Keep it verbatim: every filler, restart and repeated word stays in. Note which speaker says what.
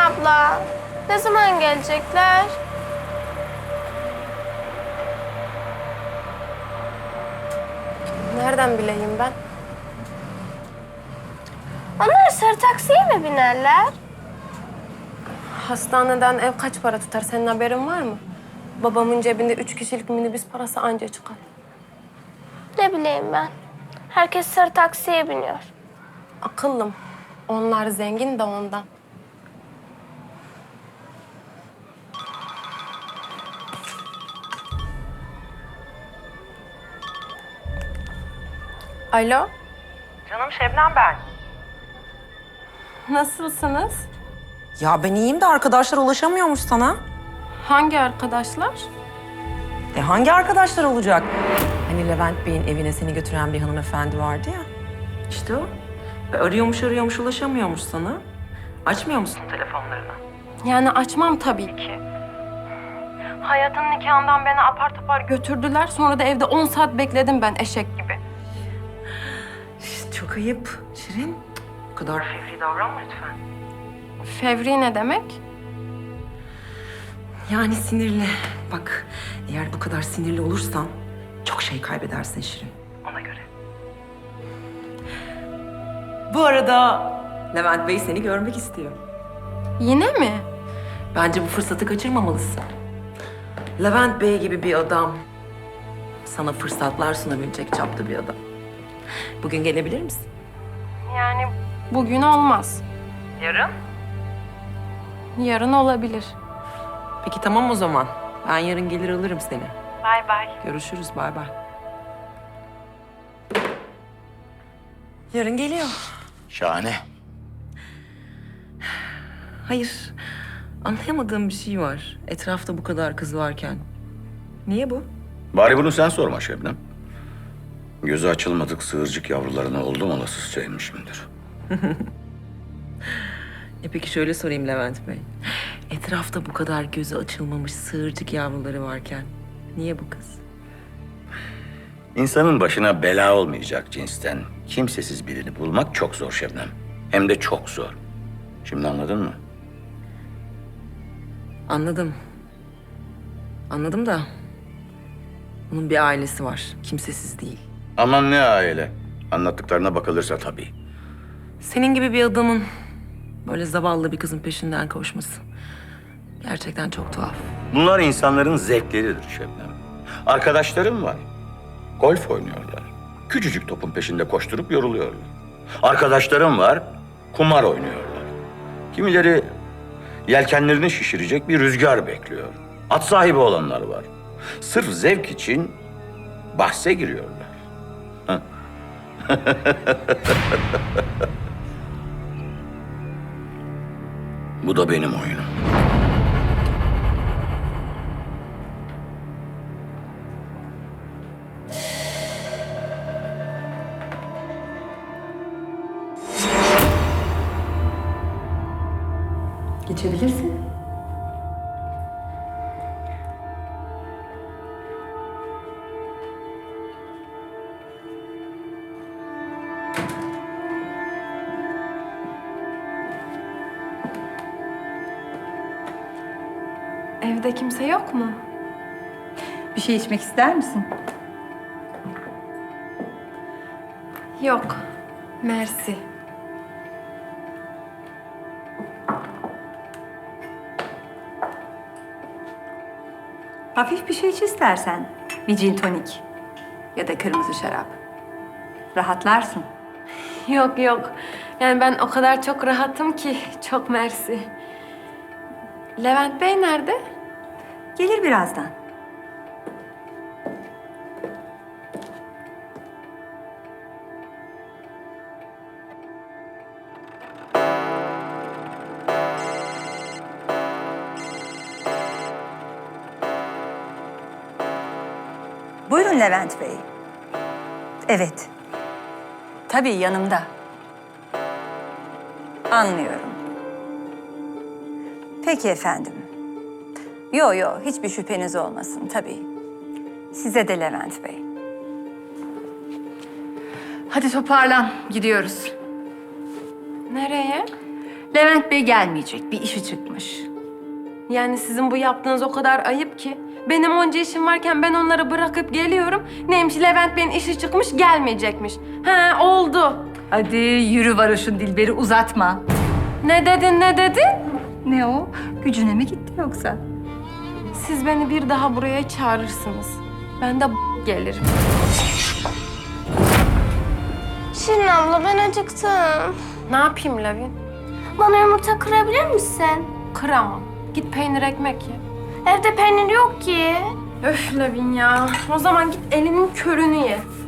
Speaker 1: abla. Ne zaman gelecekler?
Speaker 2: Nereden bileyim ben?
Speaker 1: Onlar sarı taksiye mi binerler?
Speaker 2: Hastaneden ev kaç para tutar? Senin haberin var mı? Babamın cebinde üç kişilik minibüs parası anca çıkar.
Speaker 1: Ne bileyim ben. Herkes sarı taksiye biniyor.
Speaker 2: Akıllım. Onlar zengin de ondan. Alo,
Speaker 3: Canım Şebnem ben.
Speaker 2: nasılsınız?
Speaker 3: Ya ben iyiyim de arkadaşlar ulaşamıyormuş sana.
Speaker 2: Hangi arkadaşlar?
Speaker 3: E hangi arkadaşlar olacak? Hani Levent Bey'in evine seni götüren bir hanımefendi vardı ya. İşte o. E arıyormuş arıyormuş ulaşamıyormuş sana. Açmıyor musun telefonlarını?
Speaker 2: Yani açmam tabii ki. Hayat'ın nikahından beni apar topar götürdüler. Sonra da evde on saat bekledim ben eşek gibi.
Speaker 3: İşte çok ayıp Şirin. Bu kadar fevri davranma lütfen.
Speaker 2: Fevri ne demek?
Speaker 3: Yani sinirli. Bak eğer bu kadar sinirli olursan çok şey kaybedersin Şirin. Ona göre. Bu arada Levent Bey seni görmek istiyor.
Speaker 2: Yine mi?
Speaker 3: Bence bu fırsatı kaçırmamalısın. Levent Bey gibi bir adam. Sana fırsatlar sunabilecek çapta bir adam. Bugün gelebilir misin?
Speaker 2: Yani bugün olmaz.
Speaker 3: Yarın?
Speaker 2: Yarın olabilir.
Speaker 3: Peki tamam o zaman. Ben yarın gelir alırım seni.
Speaker 2: Bay bay.
Speaker 3: Görüşürüz, bay bay. Yarın geliyor.
Speaker 4: Şahane.
Speaker 3: Hayır, anlayamadığım bir şey var. Etrafta bu kadar kız varken. Niye bu?
Speaker 4: Bari bunu sen sorma Şebnem. Gözü açılmadık sığırcık yavrularına oldum olasızca inmişimdir.
Speaker 3: E peki şöyle sorayım Levent Bey. Etrafta bu kadar gözü açılmamış sığırcık yavruları varken niye bu kız?
Speaker 4: İnsanın başına bela olmayacak cinsten kimsesiz birini bulmak çok zor Şebnem. Hem de çok zor. Şimdi anladın mı?
Speaker 3: Anladım. Anladım da onun bir ailesi var. Kimsesiz değil.
Speaker 4: Aman ne aile. Anlattıklarına bakılırsa tabii.
Speaker 3: Senin gibi bir adamın böyle zavallı bir kızın peşinden koşması gerçekten çok tuhaf.
Speaker 4: Bunlar insanların zevkleridir Şebnem. Arkadaşlarım var. Golf oynuyorlar. Küçücük topun peşinde koşturup yoruluyorlar. Arkadaşlarım var. Kumar oynuyorlar. Kimileri yelkenlerini şişirecek bir rüzgar bekliyor. At sahibi olanlar var. Sırf zevk için bahse giriyorlar. Heh. Bu da benim oyunum.
Speaker 3: Geçebilirsin.
Speaker 2: Evde kimse yok mu?
Speaker 5: Bir şey içmek ister misin?
Speaker 2: Yok. Mersi.
Speaker 5: Hafif bir şey iç istersen. Bir gin tonik ya da kırmızı şarap. Rahatlarsın.
Speaker 2: Yok yok. Yani ben o kadar çok rahatım ki. Çok mersi. Levent Bey nerede?
Speaker 5: Gelir birazdan. Buyurun Levent Bey. Evet. Tabii yanımda. Anlıyorum. Peki efendim. Yo yo hiçbir şüpheniz olmasın tabii. Size de Levent Bey. Hadi toparlan gidiyoruz.
Speaker 2: Nereye?
Speaker 5: Levent Bey gelmeyecek. Bir işi çıkmış.
Speaker 2: Yani sizin bu yaptığınız o kadar ayıp ki. Benim onca işim varken ben onları bırakıp geliyorum. Neymiş Levent Bey'in işi çıkmış gelmeyecekmiş. He oldu.
Speaker 5: Hadi yürü varoşun Dilber'i uzatma.
Speaker 2: Ne dedin ne dedin?
Speaker 5: Ne o? Gücüne mi gitti yoksa?
Speaker 2: Siz beni bir daha buraya çağırırsınız. Ben de gelirim.
Speaker 1: Şirin abla ben acıktım.
Speaker 2: Ne yapayım Lavin?
Speaker 1: Bana yumurta kırabilir misin?
Speaker 2: Kıramam. Git peynir ekmek ye.
Speaker 1: Evde peynir yok ki.
Speaker 2: Öf Lavin ya. O zaman git elinin körünü ye.